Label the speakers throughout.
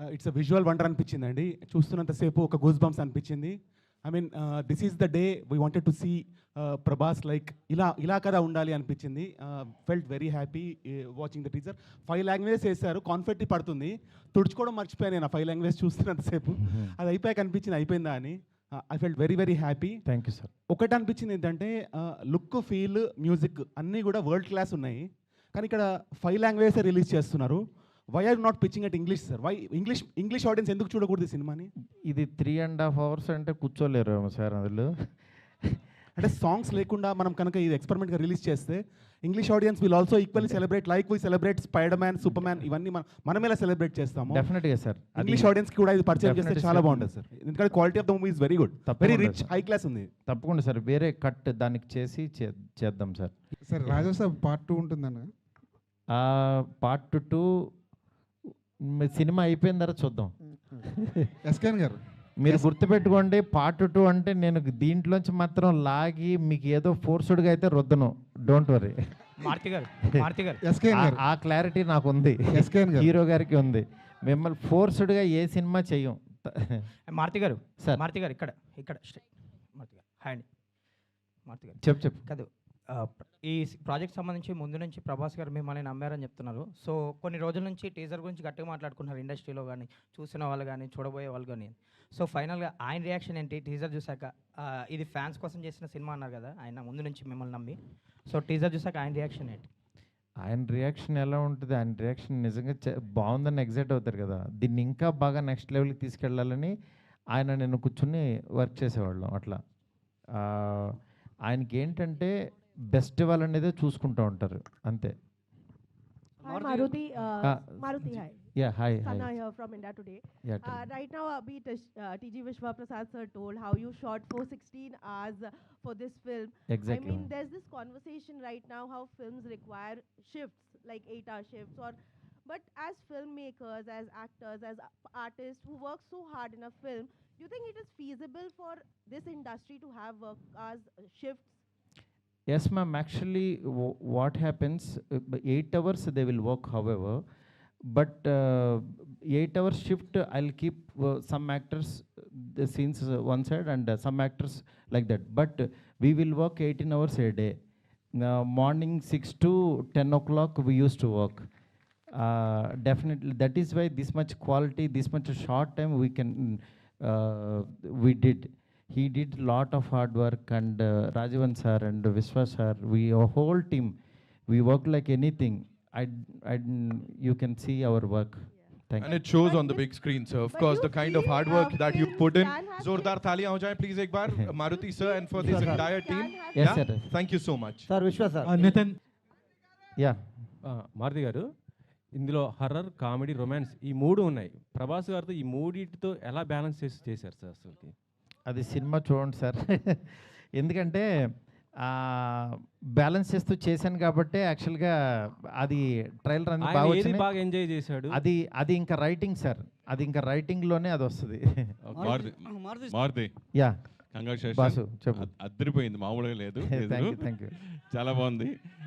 Speaker 1: It's a visual wonder అనిపించిందండి. చూస్తున్నంతసేపు ఒక గూస్ బంప్స్ అనిపించింది. I mean this is the day we wanted to see Prabhas like ఇలా కదా ఉండాలి అనిపించింది. Felt very happy watching the teaser. 5 languages వేశారు, కాన్ఫెట్టి పడుతుంది. తుడుచుకోవడం మర్చిపోయాను నేను ఆ 5 లాంగ్వేజ్ చూస్తున్నంతసేపు. అది అయిపోయాక అనిపించింది అయిపోయిందా అని. I felt very very happy.
Speaker 2: Thank you sir.
Speaker 1: ఒకటి అనిపించింది ఏంటంటే లుక్, ఫీల్, మ్యూజిక్ అన్నీ కూడా వరల్డ్ క్లాస్ ఉన్నాయి. కానీ ఇక్కడ 5 లాంగ్వేజెస్ రిలీజ్ చేస్తున్నారు. Why are not pitching at English sir? Why English audience ఎందుకు చూడకూడదు ఈ సినిమాని?
Speaker 2: ఇది 3.5 hours అంటే కూర్చోలేరు సార్ అందులో.
Speaker 1: అంటే సాంగ్స్ లేకుండా మనం కనుక ఇది ఎక్స్పెరిమెంట్గా రిలీజ్ చేస్తే English audience will also equally celebrate like we celebrate Spider Man, Superman, ఇవన్నీ మనం ఎలా సెలబ్రేట్ చేస్తాము.
Speaker 2: డెఫినెట్గా సార్.
Speaker 1: ఇంగ్లీష్ ఆడియన్స్కి కూడా ఇది పరిచయం చేస్తే చాలా బాగుంటుంది సార్. ఎందుకంటే quality of the movie is very good, very rich, high class ఉంది.
Speaker 2: తప్పకుండా సార్, వేరే కట్ దానికి చేసి చేద్దాం sir.
Speaker 3: Sir Raja sir part 2 ఉంటుందన్న.
Speaker 2: పార్ట్ 2 సినిమా అయిపోయిన తర్వాత చూద్దాం.
Speaker 3: ఎస్కేన్ గారు
Speaker 2: మీరు గుర్తుపెట్టుకోండి, పార్ట్ 2 అంటే నేను దీంట్లోంచి మాత్రం లాగి మీకు ఏదో ఫోర్స్డ్గా అయితే రుద్దను. Don't worry. ఆ క్లారిటీ నాకు ఉంది, హీరో గారికి ఉంది. మిమ్మల్ని ఫోర్స్డ్గా ఏ సినిమా చెయ్యం.
Speaker 4: మారుతి గారు సార్, మారుతి గారు ఇక్కడ మారుతి గారు హాయ్ అండి. మారుతి గారు
Speaker 2: చెప్పు
Speaker 4: కాదు, ఈ ప్రాజెక్ట్ సంబంధించి ముందు నుంచి ప్రభాస్ గారు మిమ్మల్ని నమ్మారని చెప్తున్నారు. సో కొన్ని రోజుల నుంచి టీజర్ గురించి గట్టిగా మాట్లాడుకున్నారు ఇండస్ట్రీలో కానీ, చూసిన వాళ్ళు కానీ, చూడబోయే వాళ్ళు కానీ. సో ఫైనల్గా ఆయన రియాక్షన్ ఏంటి టీజర్ చూసాక? ఇది ఫ్యాన్స్ కోసం చేసిన సినిమా అన్నారు కదా ఆయన ముందు నుంచి మిమ్మల్ని నమ్మి. సో టీజర్ చూసాక ఆయన రియాక్షన్ ఏంటి?
Speaker 2: ఆయన రియాక్షన్ ఎలా ఉంటుంది? ఆయన రియాక్షన్ నిజంగా బాగుందని ఎగ్జైట్ అవుతారు కదా. దీన్ని ఇంకా బాగా నెక్స్ట్ లెవెల్కి తీసుకెళ్ళాలని ఆయన నేను కూర్చుని వర్క్ చేసేవాళ్ళం. అట్లా ఆయనకి ఏంటంటే బెస్ట్ వాళ్ళనేదే చూసుకుంటూ ఉంటారు అంతే.
Speaker 5: Maruti, hi.
Speaker 2: Yeah, hi.
Speaker 5: Sana here from India Today.
Speaker 2: Yeah,
Speaker 5: right now, TG Vishwa Prasad sir told how you shot for 16 hours for this film.
Speaker 2: Exactly.
Speaker 5: I mean, there's this conversation right now how films require shifts, like 8-hour shifts, but as filmmakers, as actors, as artists who work so hard in a film, do you think it is feasible for this industry to have work hours shifts?
Speaker 2: Yes, ma'am. Actually, what happens, 8 hours they will work, however, but 8 hours shift, I'll keep some actors the scenes one side and some actors like that. But we will work 18 hours a day. Morning 6 to 10 o'clock we used to work. Definitely, that is why this much quality, this much short time we did. He did a lot of hard work, and Rajavan sir and Vishwa sir, our whole team, we work like anything. You can see our work. Thank you.
Speaker 6: And it shows on the big screen, sir. Of course, the kind of hard work that you put in. Zordar thaliyan ho jaye please ek baar, Maruti sir, and for this entire team.
Speaker 2: Yes, sir.
Speaker 6: Thank you so much.
Speaker 7: Sir, Vishwa sir.
Speaker 8: Nitin.
Speaker 2: Yeah.
Speaker 8: Maruti గారు, ఇందులో horror, comedy, romance ఈ 3 ఉన్నాయి. ప్రభాస్ గారితో ఈ 3టితో ఎలా balance చేశారు sir అసలుకి?
Speaker 2: అది సినిమా చూడండి సార్. ఎందుకంటే బ్యాలెన్స్ చేస్తూ చేశాను కాబట్టి యాక్చువల్గా అది ట్రైలర్ అనేది
Speaker 8: బాగా ఎంజాయ్ చేశాడు.
Speaker 2: అది ఇంకా రైటింగ్ సార్, అది ఇంకా రైటింగ్లోనే అది వస్తుంది. యా బాసు చెప్పు.
Speaker 9: అద్దరిపోయింది, మామూలుగా లేదు.
Speaker 2: Thank you.
Speaker 9: చాలా బాగుంది.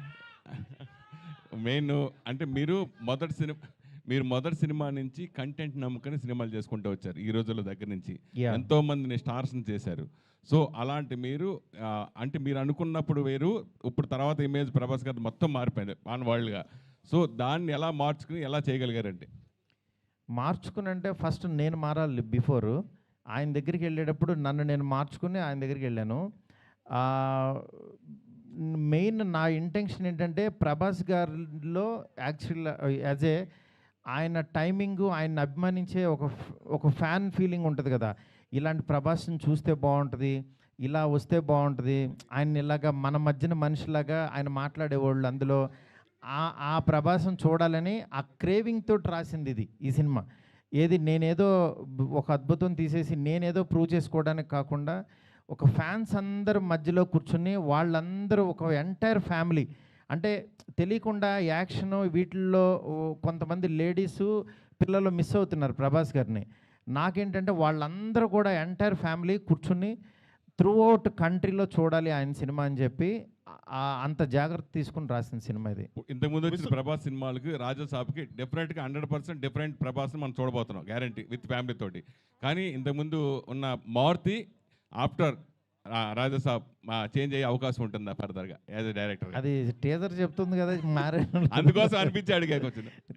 Speaker 9: మెయిన్ అంటే మీరు మొదటి సినిమా నుంచి కంటెంట్ నమ్ముకొని సినిమాలు చేసుకుంటూ వచ్చారు. ఈ రోజుల దగ్గర నుంచి ఎంతో మందిని స్టార్స్ని చేశారు. సో అలాంటి మీరు అంటే మీరు అనుకున్నప్పుడు వేరు, ఇప్పుడు తర్వాత ఇమేజ్ ప్రభాస్ గారు మొత్తం మారిపోయింది ఆన్ వరల్డ్గా. సో దాన్ని ఎలా మార్చుకుని ఎలా చేయగలిగారంటే?
Speaker 2: మార్చుకుని అంటే ఫస్ట్ నేను మారాలి. బిఫోర్ ఆయన దగ్గరికి వెళ్ళేటప్పుడు నన్ను నేను మార్చుకుని ఆయన దగ్గరికి వెళ్ళాను. మెయిన్ నా ఇంటెన్షన్ ఏంటంటే ప్రభాస్ గారిలో యాక్చువల్ యాజ్ ఏ ఆయన టైమింగు, ఆయన అభిమానించే ఒక ఫ్యాన్ ఫీలింగ్ ఉంటుంది కదా. ఇలాంటి ప్రభాస్ని చూస్తే బాగుంటుంది, ఇలా వస్తే బాగుంటుంది, ఆయన ఇలాగా మన మధ్యన మనిషిలాగా ఆయన మాట్లాడేవాళ్ళు. అందులో ఆ ప్రభాసం చూడాలని ఆ క్రేవింగ్తో రాసింది ఈ సినిమా. నేనేదో ఒక అద్భుతం తీసేసి నేనేదో ప్రూవ్ చేసుకోవడానికి కాకుండా ఒక ఫ్యాన్స్ అందరు మధ్యలో కూర్చుని వాళ్ళందరూ ఒక ఎంటైర్ ఫ్యామిలీ, అంటే తెలియకుండా యాక్షన్ వీటిల్లో కొంతమంది లేడీసు పిల్లలు మిస్ అవుతున్నారు ప్రభాస్ గారిని. నాకేంటంటే వాళ్ళందరూ కూడా ఎంటైర్ ఫ్యామిలీ కూర్చుని త్రూ అవుట్ కంట్రీలో చూడాలి ఆయన సినిమా అని చెప్పి అంత జాగ్రత్త తీసుకుని రాసిన సినిమా ఇది.
Speaker 9: ఇంతకుముందు వచ్చిన ప్రభాస్ సినిమాలకి రాజాసాబ్కి డెఫినెట్గా 100% డిఫరెంట్ ప్రభాస్ని మనం చూడబోతున్నాం, గ్యారంటీ, విత్ ఫ్యామిలీ తోటి. కానీ ఇంతకుముందు ఉన్న మారుతి ఆఫ్టర్ రాజాసాబ్ చేంజ్ అయ్యే అవకాశం ఉంటుందా ఫర్దర్గా యాజ్ ఎ డైరెక్టర్?
Speaker 2: అది టీజర్ చెప్తుంది కదా,
Speaker 9: అందుకోసం అనిపించి అడిగా కొంచెం.